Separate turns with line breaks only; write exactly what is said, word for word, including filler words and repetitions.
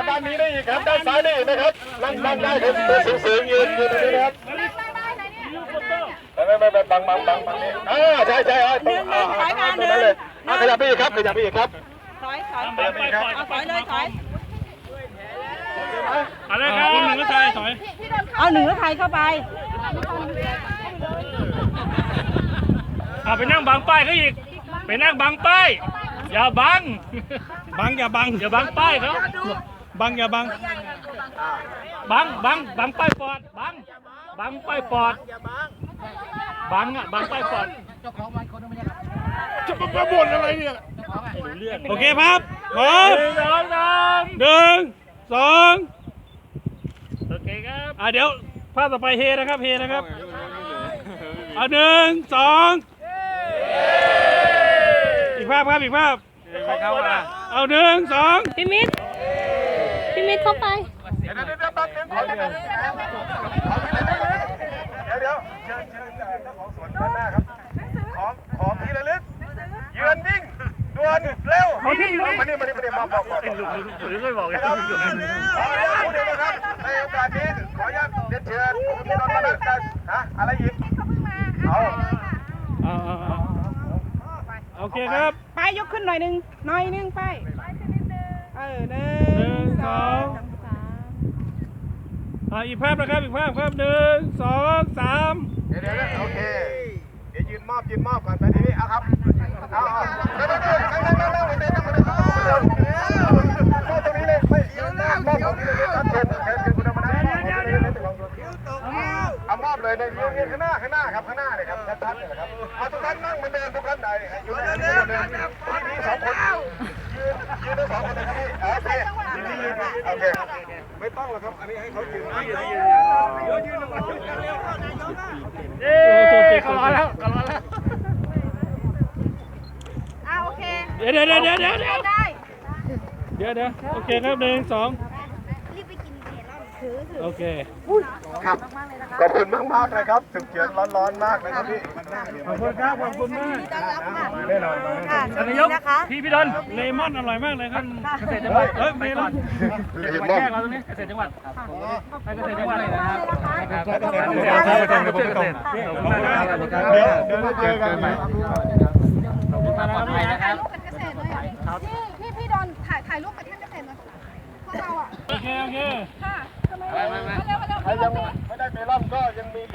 ด้านนี้ได้อีกครับด้านซ้ายได้อีกนะครับนั่งนั่งได้ครับตัวสูงๆยืนยืนตรงนี้นะครับไม่ไม่ไม่บังบังบังบังนี่อ่าใช่ใช่ตรงอ่าตรงนั้นเลยขยับไปอีกครับขยับไปอีกครับ
ถอยถอยถอยเลยถอยถอย
อะไรครับหนึ่งก็ใช่ถอย
เอาหนึ่งแล้วไทยเข้าไป
เอาไปนั่งบังป้ายเขาอีกไปนั่งบังป้ายอย่าบังบังอย่าบังอย่าบังป้ายเขาบังอย่าบังบังบังบังป้ายปอดบังบังป้ายปอดบังอ่ะบังป้ายปอด
จะมาบ่นอะไรเนี่ย
โอเคครับพร้อมหนึ่งสองสามหนึ่งสองโอเคครับอ่ะเดี๋ยวภาพต่อไปเฮนะครับเฮนะครับเอาหนึ่งสองอีกภาพครับอีกภาพเอาหนึ่งสอง
พี่มิตรพี่มิตรเข้าไป
เดี๋ยวเดี๋ยวเดี๋ยวแป๊บนึงขอที่ไหนเดี๋ยวเดี๋ยวเชิญเชิญเจ้าของสวนด้านหน้าครับของของที่ระลึกยืนนิ่งด่วนเร็วมานี่มานี่มานี่มาบอกก่อนหรือไม่บอกเลยครับขออนุญาตพูดเองนะครับในโอกาสนี้ขออนุญาตเรียนเชิญคุณพี่น้องมาแล้วกันฮะอะไรอีกเอา
เอาเอาโอเคครับ
ไปยกขึ้นหน่อยหนึ่งหน่อยหนึ่งไปเออหนึ่งสอง
อ่าอีกภาพนะครับอีกภาพครับหนึ่งสองสาม
เดี๋ยวเดี๋ยวโอเคเดี๋ยวยืนมอบยืนมอบก่อนไปทีนี้เอาครับเอาเอาเดี๋ยวเดี๋ยวเดี๋ยวเดี๋ยวเดี๋ยวเดี๋ยวเดี๋ยวเดี๋ยวเดี๋ยวตรงนี้เลยไม่ยืนหน้ามอบตรงนี้เลยครับเชิญเชิญคุณธรรมนัสเอามอบเลยในยืนข้างหน้าข้างหน้าครับข้างหน้าเลยครับชัดๆเลยครับเอาทุกท่านนั่งเหมือนเดิมทุกท่านใดอยู่ในนี้เหมือนเดิมมีสองคนยืนยืนทั้งสองคนเลยครับพี่โอเคโอเคไม่ต้องหรอกครับอันนี้ให้เขายืนยืนยืนยืนยืนลงมายืนเร็ว
เย้เขารอแล้วเขารอแล้ว
อ่าโอเค
เดี๋ยวเดี๋ยวเดี๋ยวเดี๋ยวเดี๋ยวเดี๋ยวเดี๋ยวเดี๋ยวโอเคครับหนึ่งสอง
รีบไปกินเบียร์แล้วถือถือ
โอเค
ครับขอบคุณมากมากเลยครับสุกเย็นร้อนๆมากนะครับพี่
ขอบคุณครับขอบคุณมาก
แน่นอน
ท่านนายกพี่พี่ดอนเลมอนอร่อยมากเลยครับเกษตรจังหวัดเฮ้ยเลมอนเลมอนแก้เราตรงนี้เกษตรจังหวัดไปเกษตรจังหวัดเลยนะครับเกษตรจังหวัดเกษตรเกษตรเดี๋ยวเดี๋ยวเจอกันใหม่ขอบคุณมากนะครับ
พี่พี่พี่ดอนถ่ายถ่ายรูปกับท่านเกษตรหน่อยพวกเราอ่ะ
โอเคโอเค
ค่ะทำไม
ใครยังไม่ได้เมลอนก็ยังมี